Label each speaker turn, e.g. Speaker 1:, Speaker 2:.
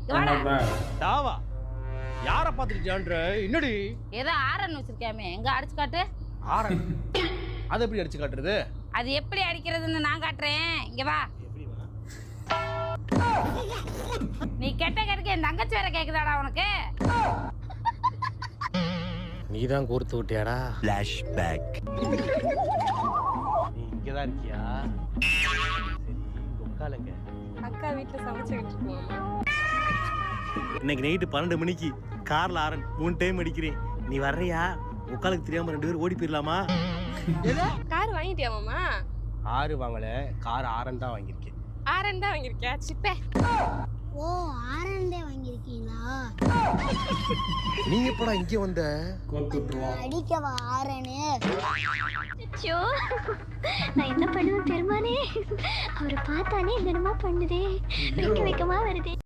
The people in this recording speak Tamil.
Speaker 1: தாவா யார பாத்துக்கிட்டான்ற என்னடி
Speaker 2: ஏதோ ஆரன் வச்சிருக்காமே எங்க அடிச்சு காட்டு.
Speaker 1: ஆரன் அது எப்படி அடிச்சு காட்டுறது?
Speaker 2: அது எப்படி அடிக்கிறதுன்னு நான் காட்டுறேன். இங்க வா. நீ கெட்ட கெடுக்க என் தங்கச்சி வேற கேக்குதாடா உனக்கு?
Speaker 3: நீதான் கோர்த்து விட்டியாடா?
Speaker 4: ஃபிளாஷ்பேக்.
Speaker 1: நீ இங்கதான் இருக்கியா? சரி உட்காருங்க.
Speaker 5: அக்கா வீட்டுல சமைச்சுக்கிட்டு இருக்கோம்.
Speaker 3: இன்னைக்கு நைட்டு 12 மணிக்கு கார்ல ஆரன் 3 டைம் அடிக்கிறேன். நீ வர்றியா? உட்காலுக்கு தெரியாம 2 பேரும் ஓடி போயிடலாமா?
Speaker 5: கார் வாங்கிட்டியா மாமா?
Speaker 1: ஆறு வாங்கல, கார் ஆரன் தான் வாங்கியிருக்கேன்.
Speaker 5: ஆரன் தான் வாங்கியிருக்கியா? சிப்பே.
Speaker 6: ஓ ஆரண்டே வாங்கியிருக்கீங்களா?
Speaker 3: நீ எப்படா இங்க வந்த?
Speaker 6: அடிக்கவா ஆரனு?
Speaker 7: ஐயோ நான் என்ன பண்ணுவேன் பெருமானே. அவரை பார்த்தானே என்னமா பண்ணுதே. வெக்க வெக்கமா வருதே.